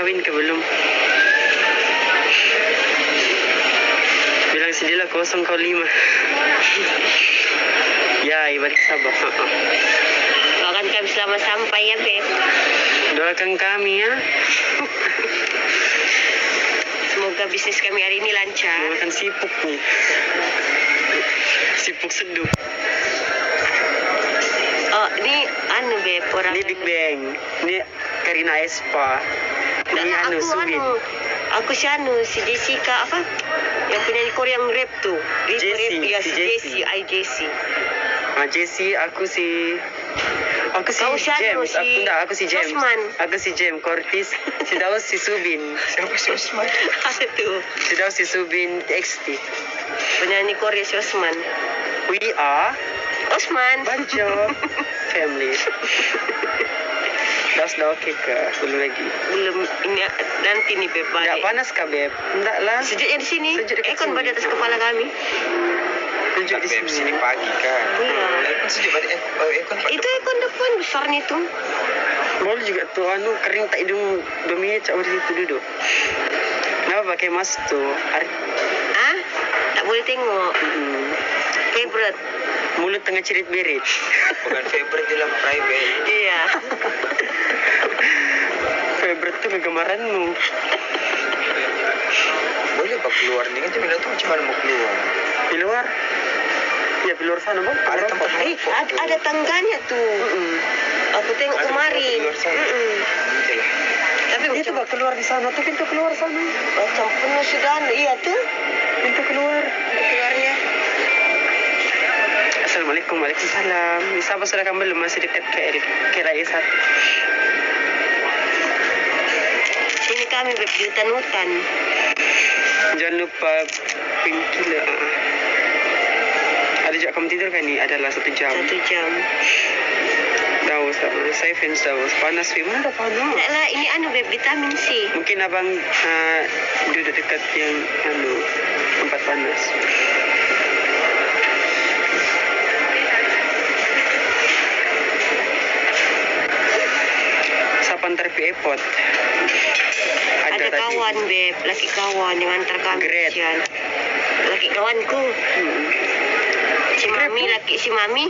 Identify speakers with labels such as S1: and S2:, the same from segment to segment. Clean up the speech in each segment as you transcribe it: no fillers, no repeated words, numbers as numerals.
S1: kawin ke belum? Bilang sendirilah 0 kau 5. Ya, balik Sabah.
S2: Doakan kami selamat sampai ya, Beb.
S1: Doakan kami ya.
S2: Semoga bisnis kami hari ini lancar.
S1: Makan sipuk nih. Sipuk seduh.
S2: Oh, ini Beb, orang.
S1: Ini Big Bang. Ini Karina Espa. Ini Subin.
S2: Aku si Jessica apa? Yang penyanyi Korea yang rap tuh.
S1: Jessie.
S2: Jessie.
S1: Jessie, aku si James. Aku si James.
S2: Osman.
S1: Aku si James Cortis. Si Daus si Subin.
S3: Siapa si Osman?
S2: Apa tuh?
S1: Si Daus si Subin XT.
S2: Penyanyi Korea si Osman.
S1: We are
S2: Osman.
S1: Banjo family. Daus dah okey ke? Belum lagi.
S2: Belum, ini nanti nih Beb balik.
S1: Tak panas kah Beb? Enggak lah.
S2: Sejuknya di sini.
S1: Sejuk dekat
S2: Aircon
S1: sini.
S2: pada atas kepala kami.
S1: Sejuk di
S3: Beb,
S1: sini.
S3: sini pagi kan.
S2: Iya.
S3: Aircon sejuk pada aircon pada.
S2: Itu aircon depan besarnya tuh.
S1: Boleh juga tuh kering tak hidung 2 minit cak di situ duduk. Kenapa pakai mask tuh?
S2: Ah? Tak boleh tengok. Favorite.
S1: Mulut tengah cerit-berit.
S3: Bukan favorite dalam private.
S2: Iya.
S1: Favorite tuh kegemaranmu.
S3: Boleh pak keluar ni kan cuma tu macam mana mau keluar?
S1: Di luar? Ya di luar sana bang.
S3: Ada tempat
S2: Ada tangganya tuh. Aku tengok
S3: Ada
S2: kemarin.
S3: di luar sana. Nanti lah.
S2: Tapi
S1: Itu bang keluar di sana tuh pintu keluar sana.
S2: macam penuh sudah. Iya tuh.
S1: Pintu keluar.
S2: Keluarnya.
S1: Assalamualaikum, waalaikumsalam. Siapa sudah kamu belum masih dekat ke Raisat?
S2: Sini kami Beb, di hutan-hutan.
S1: Jangan lupa painkiller. Ada juga kamu tidur kan ni? Adalah 1 jam.
S2: 1 jam.
S1: Daus, saya fans Daus. Panas, mana ada panas?
S2: Tak lah, ini Beb, vitamin C.
S1: Mungkin abang duduk dekat yang tempat panas. Siapa antar pi airport?
S2: Ada
S1: tadi.
S2: kawan Beb, laki kawan yang antar kami.
S1: Great.
S2: Sian. Laki kawanku. Si Mami.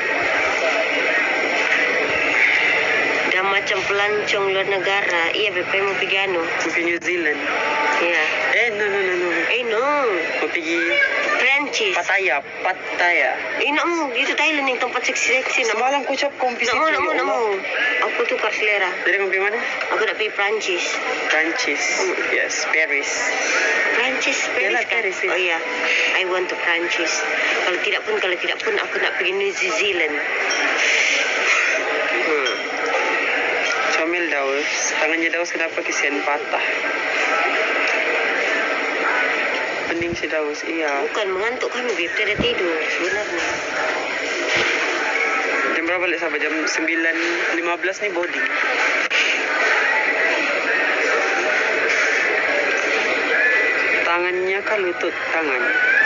S2: Dah macam pelancong luar negara. Iya Beb, mau pergi
S1: Mau pergi New Zealand.
S2: Iya.
S1: No.
S2: No.
S1: Mau pergi
S2: Perancis.
S1: Pattaya.
S2: Nak mau, itu Thailand yang tempat seksi-seksi.
S1: Semalam ku ucap kau pergi situ.
S2: Nak mau. Aku tukar selera.
S1: Jadi kau pergi mana?
S2: Aku nak pergi Perancis.
S1: Prancis. Yes, Paris.
S2: Perancis
S1: Yalah,
S2: kan?
S1: Paris, ya.
S2: Oh iya, I want to Perancis. Kalau tidak pun aku nak pergi New Zealand.
S1: Comel Daus. Tangannya Daus kenapa kesian patah? Pening si Daus, iya.
S2: Bukan mengantuk kami, Beb. Tidak tidur sebenarnya.
S1: Jam berapa balik sampai? Jam 9.15 nih boarding. Tangannya kan lutut tangan.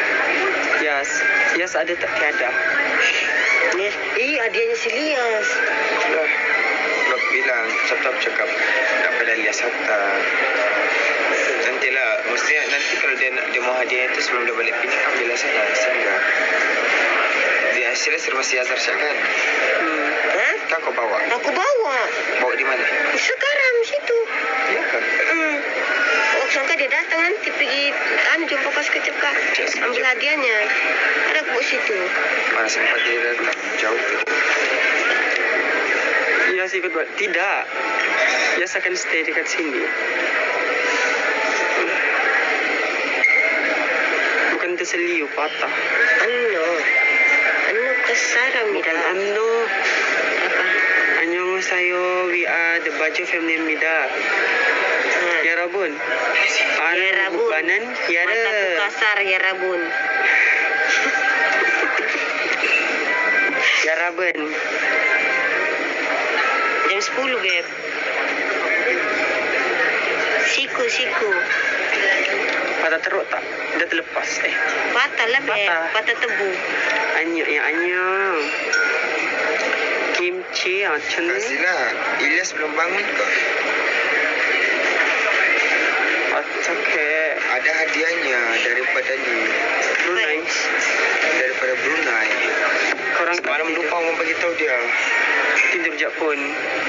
S1: Yes ada tak tiada.
S2: Yes. Adanya si Lias.
S3: Lah. Nak bilang cakap nak pada lias hatta. Nantilah, mestinya nanti kalau dia mau hadiah itu sebelum dia balik Penang ambil sana sehingga dia hasilnya serba siasar kan.
S2: Hah?
S3: Kan kau bawa?
S2: Aku bawa.
S3: Bawa di mana?
S2: Sekarang situ.
S3: Iya kan?
S2: Oh, sangka dia datang nanti pergi jumpa pas kecap ambil hadiahnya. Ada aku bawa situ.
S3: Mana sempat dia datang jauh tu.
S1: Yes ikut buat. Tidak. Yes akan stay dekat sini. Bukan terseliu patah.
S2: Ano kasaram
S1: Bukan
S2: ida. Apa?
S1: Annyeonghaseyo, we are the Bajo family mida. Ya Rabun.
S2: Ya Rabun.
S1: Banan, ya
S2: Mataku kasar ya Rabun.
S1: Ya Rabun.
S2: Jam 10 Beb. Siku.
S1: Patah teruk tak? Dah terlepas.
S2: Patah lah Beb. Patah tebu.
S1: Anyo. Kimchi, macam ni.
S3: Kasihlah. Ilyas belum bangun ke?
S1: Oke.
S3: Ada hadiahnya daripada
S1: Brunei.
S3: daripada Brunei.
S1: Korang
S3: Semalam lupa mau bagi tahu dia.
S1: tidur Jepun.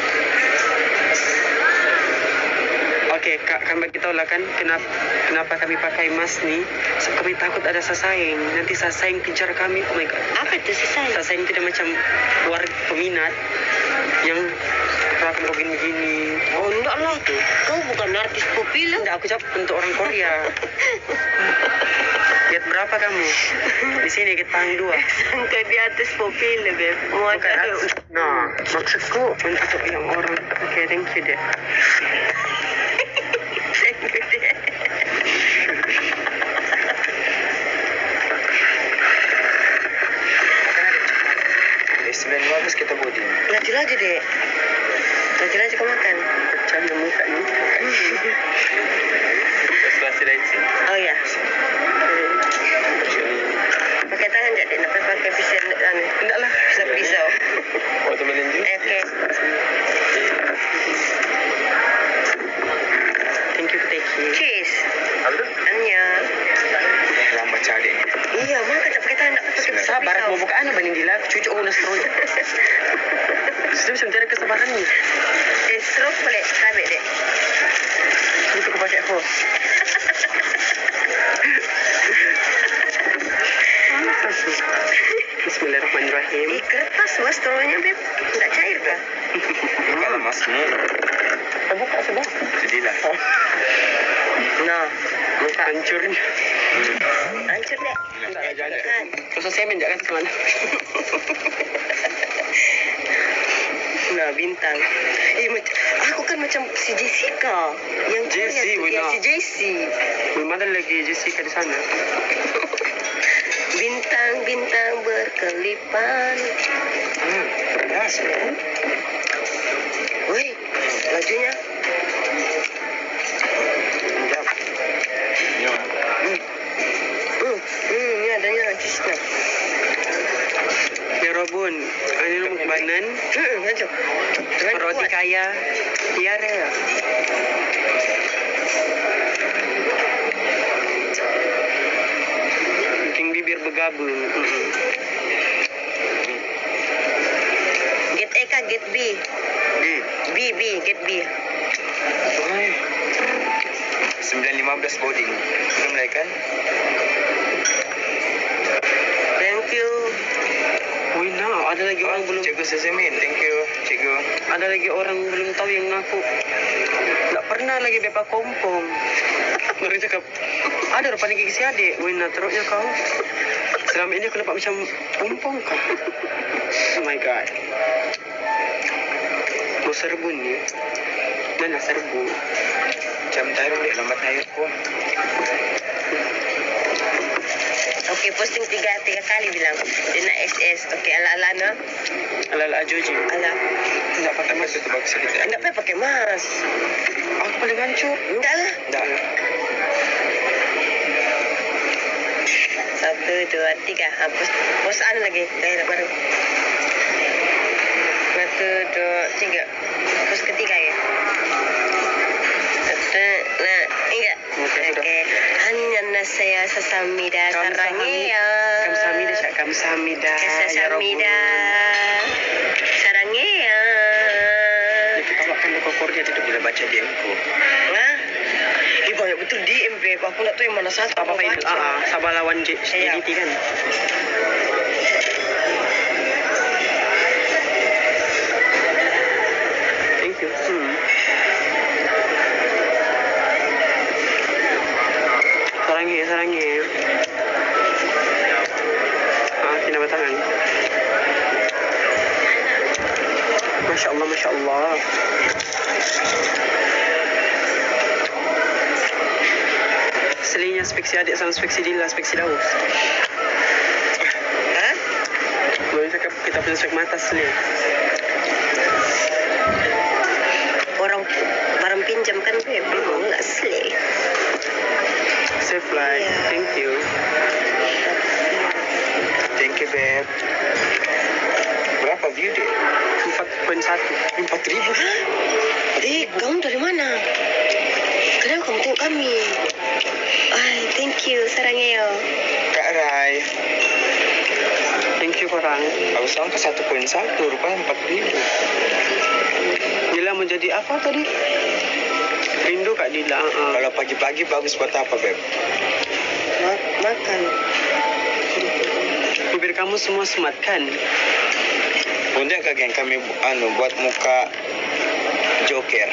S1: Oke, Kak, kami bagi tahu lah kan kenapa kami pakai mask ni. So, kami takut ada sasaeng. Nanti sasaeng kejar kami. Oh my god.
S2: Apa tu sesai?
S1: Sasaeng tidak macam warga peminat yang rakam begini.
S2: Oh, enggak lah tu. Kau bukan artis populer.
S1: Tidak, aku jawab untuk orang Korea. Lihat berapa kamu? Di sini kita pang 2.
S2: Kau di atas populer, Beb. Mau
S1: Bukan
S2: ada.
S1: aku. Nah, maksudku untuk yang orang. Oke, thank you deh.
S3: Dari 9.15 kita boarding.
S2: Laju-laju, Dek. Laju-laju kau makan.
S1: Pecah yang muka ni.
S3: Sebelah lain sih.
S2: Oh ya. Pakai tangan je, Dek. Nak pakai pisau.
S1: Tidak lah.
S2: Pisau.
S3: Oh, teman lanjut.
S2: Okey.
S1: Thank you, Teki.
S2: Cheers.
S3: Apa tu?
S2: Anya.
S3: Lambat cari.
S2: Iya, mak kata pakai tangan, nak pakai pisau.
S1: Sabar, mau buka anak banding dilak. Cucu aku nak stroke. Sudah bisa mencari kesabaran ni.
S2: Stroke boleh sabit, Dek.
S1: Itu aku pakai hose. Bismillahirrahmanirrahim.
S2: Kertas was strownya, Beb. Tak cair kah?
S3: Kalau masmu,
S1: Kita buka sebelah.
S3: sedihlah.
S2: Nah,
S1: Muka hancur.
S2: hancur, Dek.
S1: Tak ada jalan.
S2: Kan?
S1: Susah semen jangan kemana.
S2: Nah, bintang. Aku kan macam si Jessica. Yang
S1: Jessie,
S2: Korea tu. Ya,
S1: benar.
S2: si Jessie.
S1: Belum ada lagi Jessica di sana.
S2: Bintang-bintang berkelipan.
S3: Panas.
S2: Woi, lajunya.
S1: Sekejap.
S3: Ya.
S2: Ini adanya jusnya.
S1: Ya Robun, ini rumah banan.
S2: Laju. Jangan
S1: Roti
S2: kuat.
S1: kaya. Tiara. Bikin bibir bergabung.
S2: Get A kah, get B? B, get B.
S3: 9.15 boarding. Belum lagi kan?
S2: Thank you.
S1: Wih, nah, ada lagi orang belum.
S3: Cikgu Sesemin. Thank you, cikgu.
S1: Ada lagi orang belum tahu yang aku. Tak pernah lagi bepa kompong. Mereka cakap, ada rupanya gigi si adik. Wih, nah teruknya kau. Selama ini aku nampak macam kompong kau. Oh my god. Mau serbu ni. Mana serbu?
S3: Jam tayo ulit. Lambat tayo po.
S2: Okey, posting tiga kali bilang. Dia nak SS. Okey, ala-ala no.
S1: Ala-ala Ajoji.
S2: Ala.
S1: Tidak pakai
S3: Mas
S1: mask.
S3: itu bagus sedikit.
S2: Enggak payah pakai mask.
S1: Aku paling hancur.
S2: Enggak lah.
S3: Enggak.
S2: 1, 2, 3. Posan lagi. Dah baru. 1, 2, 3. Pos ketiga ya. 1, 2, 3. Okey. Hanya saya sesamida sarangnya.
S1: Kamsahamnida, Cak. Kamsahamnida.
S2: Sesamida sarangnya.
S1: Kita bawakan ke Korea tidak
S3: Bila baca DM-ku.
S2: Hah? Banyak betul DM, Beb. Aku nak tahu yang mana satu.
S1: apa itu? Sabah lawan
S2: Iya.
S1: JDT kan. Thank you. Sarangi. Kena batangan. Masya Allah. Selinya speksi adik sama speksi Dila, speksi Daus.
S2: Hah?
S1: Boleh cakap kita punya spek mata seli.
S2: Orang barang pinjam kan, Beb. Memang enggak selek.
S1: Safe flight.
S2: Iya.
S1: Thank you.
S3: Thank you, Beb. Berapa view dia?
S1: 4.1.
S3: 4.000.
S2: Dek, kamu dari mana? Kenapa kamu tengok kami. Ay, thank you, sarangnya.
S3: Kak Rai.
S1: Thank you korang.
S3: Aku sangka 1.1 rupanya 4.000.
S1: Dila mau jadi apa tadi? Rindu Kak Dila.
S3: Kalau pagi-pagi bagus buat apa, Beb?
S2: Makan.
S1: Bibir kamu semua semat kan?
S3: Untuk Kak Geng kami buat muka Joker.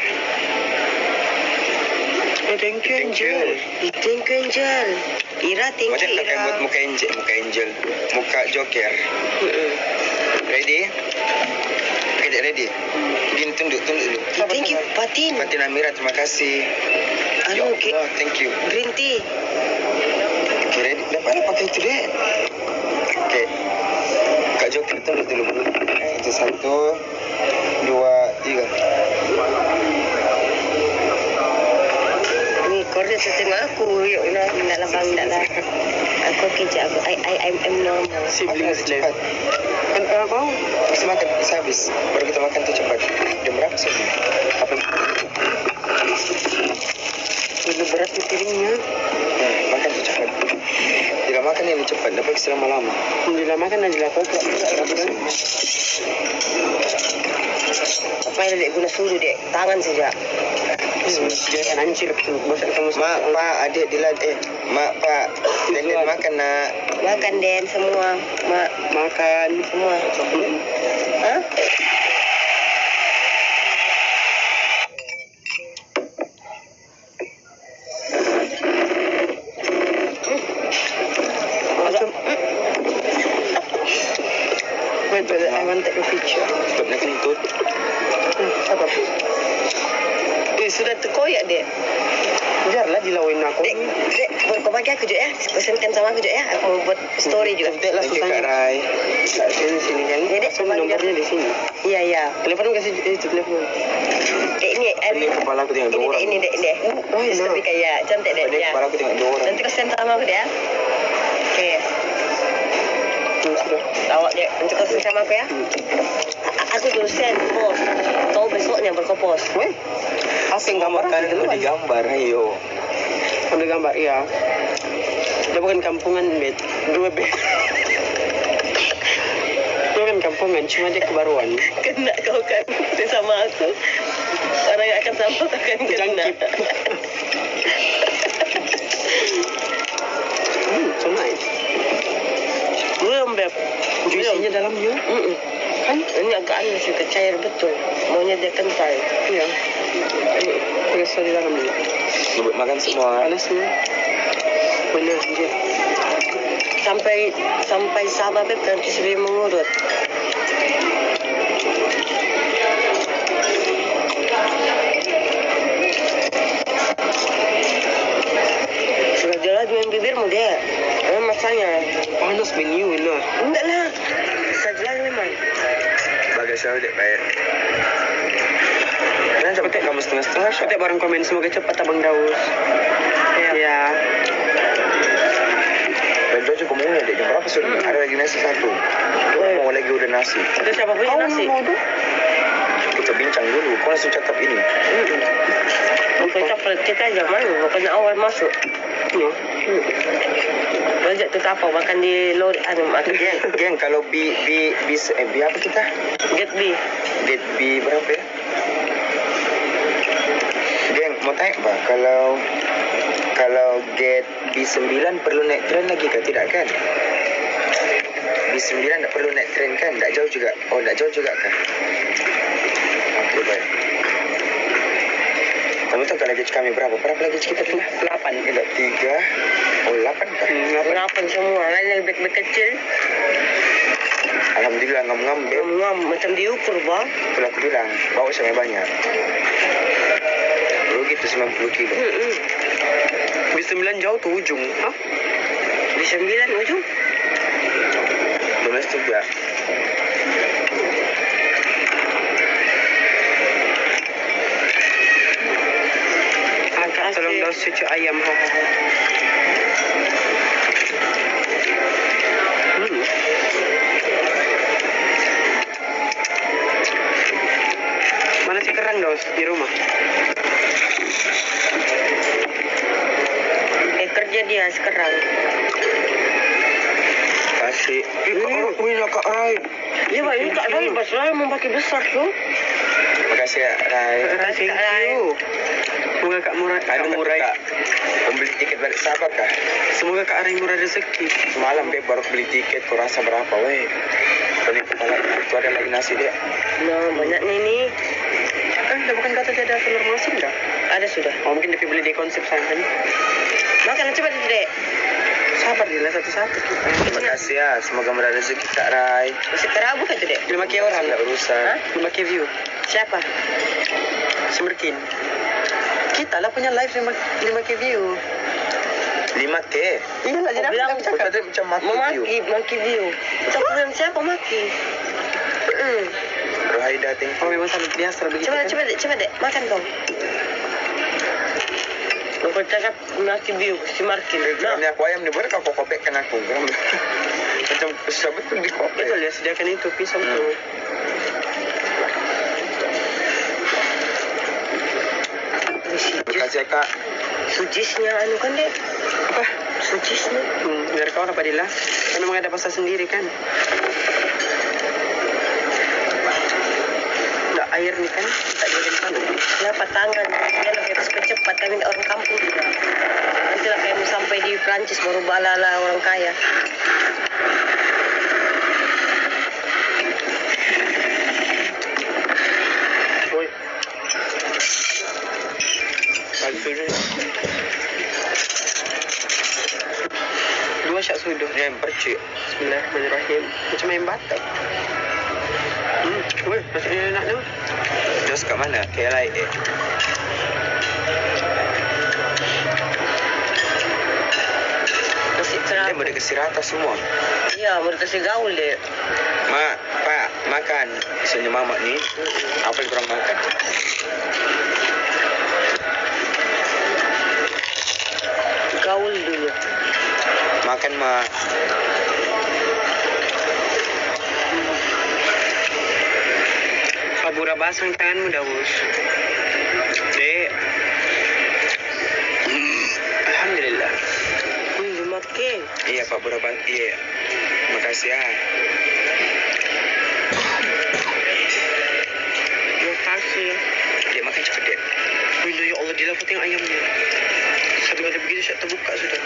S1: Oh, thank you Angel.
S2: Thank you, Angel. Ira, thank
S3: Macam
S2: you,
S3: pakai
S2: Ira.
S3: buat muka angel, muka Joker. Ready? Okay, ready. Gini tunduk dulu.
S2: Thank you, Patin.
S3: Fatin Amira, terima kasih. Ya
S2: Anu,
S3: Allah, thank you.
S2: green tea.
S3: Okay, ready. Dapat pakai itu deh. Okay. Kak Joker tunduk dulu. Itu 1, 2, 3.
S2: Ni, kau dah tengok aku. Yuk, nak labang, nak lah. Aku kerja aku. I'm normal.
S1: Siblings
S3: Makan cepat.
S1: Kan apa?
S3: Habis makan, bisa habis. Baru kita makan tu cepat. Jam berapa sih? Apa?
S1: Udah berat nih piringnya.
S3: Makan tu cepat. Tidak makan ini cepat. Dapat selama-lama.
S1: Alhamdulillah makan aja lah koprak.
S2: Apa yang dek guna suruh dek? Tangan saja.
S1: Jangan hancur bosan kamu.
S3: Mak, Pak, adik Dilan. Mak, Pak. Deden makan nak.
S2: Makan, Den, semua. Mak,
S1: Makan.
S2: semua. Hah?
S1: Macam. Wait, I want to take a picture.
S3: Stop nak kentut.
S1: Apa?
S2: Sudah terkoyak, Dek.
S1: Biarlah dilawin aku.
S2: Dek, kau bagi aku juga ya. Pesankan sama aku juga ya. Aku mau buat story juga.
S1: Cantik lah
S3: Thank you,
S1: susahnya.
S3: Kak Rai.
S1: Sini kan.
S2: Ya, Dek,
S1: Sama nomornya di sini.
S2: Iya, iya.
S1: Telepon kasih itu telepon.
S2: Dek, ini.
S3: Ini kepala aku tengok 2 orang.
S2: Ini, Dek, ini.
S1: Oh, enak.
S2: Lebih kayak cantik, Dek.
S3: Ini
S2: Ya.
S3: kepala aku tengok 2 orang.
S2: Nanti kau send sama aku, Dek ya. Oke.
S1: Sudah.
S2: Awak, Dek. Nanti kau send sama aku ya. Aku dulu send post. Kau besoknya berkopos.
S1: Weh. Asing gambar
S3: Kan
S1: gitu
S3: aku
S1: kan.
S3: digambar, ayo.
S1: Ambil gambar, iya. Dia bukan kampungan, Bet. 2 bet. Dia bukan kampungan, cuma dia kebaruan.
S2: Kena kau kan sama aku. Orang yang akan sama kau akan kena.
S1: Jangkit. So nice. Belum, Beb. Juicy-nya dalamnya.
S2: Kan ini agak aneh sih, cair betul. Maunya dia kental.
S1: Iya. Terasa di dalam dia.
S3: Buat makan semua.
S1: Panasnya. Benar dia.
S2: Sampai sama Beb nanti sebelum mengurut. Sudah jelas main bibirmu dia. Apa masanya?
S1: Panas menu ini.
S2: Enggak lah. Sudah jelas memang.
S3: Bagai saya dek bayar. Kenapa cepat kamu setengah-setengah?
S1: Kita bareng komen semoga cepat Abang Daus. Ya.
S3: Baju cukup murah dek. Jam berapa sudah? Ada lagi nasi 1. Mau lagi udah nasi.
S2: Itu siapa punya nasi?
S3: Kita bincang dulu. Kau langsung cakap ini.
S2: Kita kita aja malu. Pokoknya awal masuk.
S1: Ya.
S2: Bajak tu apa makan di lori makan
S3: Geng, kalau B apa kita?
S2: get B.
S3: Get B berapa ya? Geng, mau tanya apa? Kalau get B9 perlu naik tren lagi kah? Tidak kan? B9 tak perlu naik tren kan? Tak jauh juga. Oh, tak jauh juga kah? Okey, baik. Kamu tahu kalau gaji kami berapa? Berapa lagi kita tu?
S1: 8.
S3: Tidak 3. Oh, 8 kah?
S2: Berapa semua? Lain yang beg kecil.
S3: Alhamdulillah ngam-ngam Beb.
S2: Ngam macam diukur bang.
S3: Itulah aku bilang, bawa sampai banyak. Rugi tu 90 kilo.
S1: B9 jauh tuh ujung. Hah?
S2: Di 9 ujung.
S3: Domestik juga.
S1: Tolong Daus cucu ayam. Mana si kerang Daus di rumah?
S3: Wih lah Kak Rai.
S2: Ya, Pak, ini Kak Rai, Mas Rai mau pakai besar tuh.
S3: Makasih ya Rai.
S1: Thank you. Semoga Kak murah, Kak murah.
S3: Kak, membeli tiket balik sahabat Kak.
S1: Semoga Kak Rai murah rezeki.
S3: Semalam Beb baru beli tiket, kau rasa berapa weh? Ini kepala itu ada lagi nasi dia.
S2: Nah, banyaknya ini.
S1: Udah bukan kata dia ada telur masin dah.
S2: Ada sudah.
S1: Oh, mungkin dia beli di konsep sana kan.
S2: Makan cepat itu, Dek.
S1: Sabar dia satu-satu kita.
S3: Terima kasih ya, semoga murah rezeki Kak Rai.
S2: Masih terabu kan itu, Dek?
S1: 5K orang.
S3: Tidak urusan.
S2: Hah?
S1: 5K view.
S2: Siapa?
S1: Semerkin. Kita lah punya live 5K view.
S3: 5K.
S1: Iya lah, jadi
S2: bilang
S1: aku
S3: Kau
S1: cakap.
S3: tadi macam
S2: Memaki, maki view. Kita bilang siapa maki?
S3: Rohaida thank
S1: Oh,
S3: you.
S1: memang sangat biasa begitu
S2: Coba,
S1: kan?
S2: coba, Dek, coba, Dek. Makan kau. Kau cakap maki view, si Markin. Nah,
S3: Geramnya aku ayam nih, boleh kau kopekkan aku geram. Macam susah betul di kopek.
S1: Betul ya, sediakan itu pisang tuh.
S3: Terima kasih ya Kak.
S2: sujisnya anu kan, Dek?
S1: Apa?
S2: Sujisnya.
S1: Biar kau apa Dila? Kan memang ada pasal sendiri kan? Nggak air nih kan? Tak ada sana.
S2: Siapa tangan? Dia lebih harus cepat. Kami orang kampung juga. Nanti lah kayak mau sampai di Prancis baru balala orang kaya.
S1: Woi. Palsu ni. Dua syak sudah.
S3: Yang percik.
S1: Bismillahirrahmanirrahim. Macam main batak. Woi, rasanya enak tu.
S3: Terus kat mana? KLIA.
S2: Masih
S3: Dia
S2: terabu.
S3: boleh kasih rata semua.
S2: Iya, mau dikasih gaul, Dek.
S3: Mak, Pak, makan. Misalnya mamak ni, apa yang kurang makan?
S2: Gaul dulu.
S3: Makan, Mak.
S1: Pabura basang tanganmu dah, bos. Dek. Alhamdulillah.
S2: Makin.
S3: Iya, Pak Burabat. Iya. Makasih ya.
S1: Terima kasih.
S3: Dia makan cepat, Dek.
S1: Bila ya Allah, dia dapat tengok ayamnya. Satu kali begitu, saya terbuka sudah.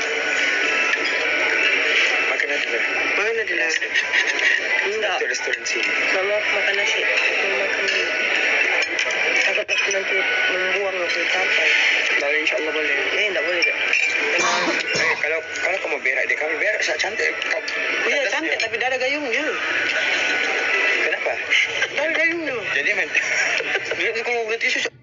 S3: Makan aja lah.
S1: Mana dia?
S2: Enggak.
S3: Itu restoran sini.
S2: Mama makan nasi. Mama makan ini. Takut aku nanti membuang atau apa.
S1: Boleh, insyaAllah boleh.
S2: Enggak boleh, Dek.
S3: Kalau kamu berak, dia kami berak sangat cantik.
S1: Iya, cantik tapi dah ada gayungnya.
S3: Kenapa?
S1: Dah ada gayungnya.
S3: Jadi men.
S1: Dia kalau boleh tisu,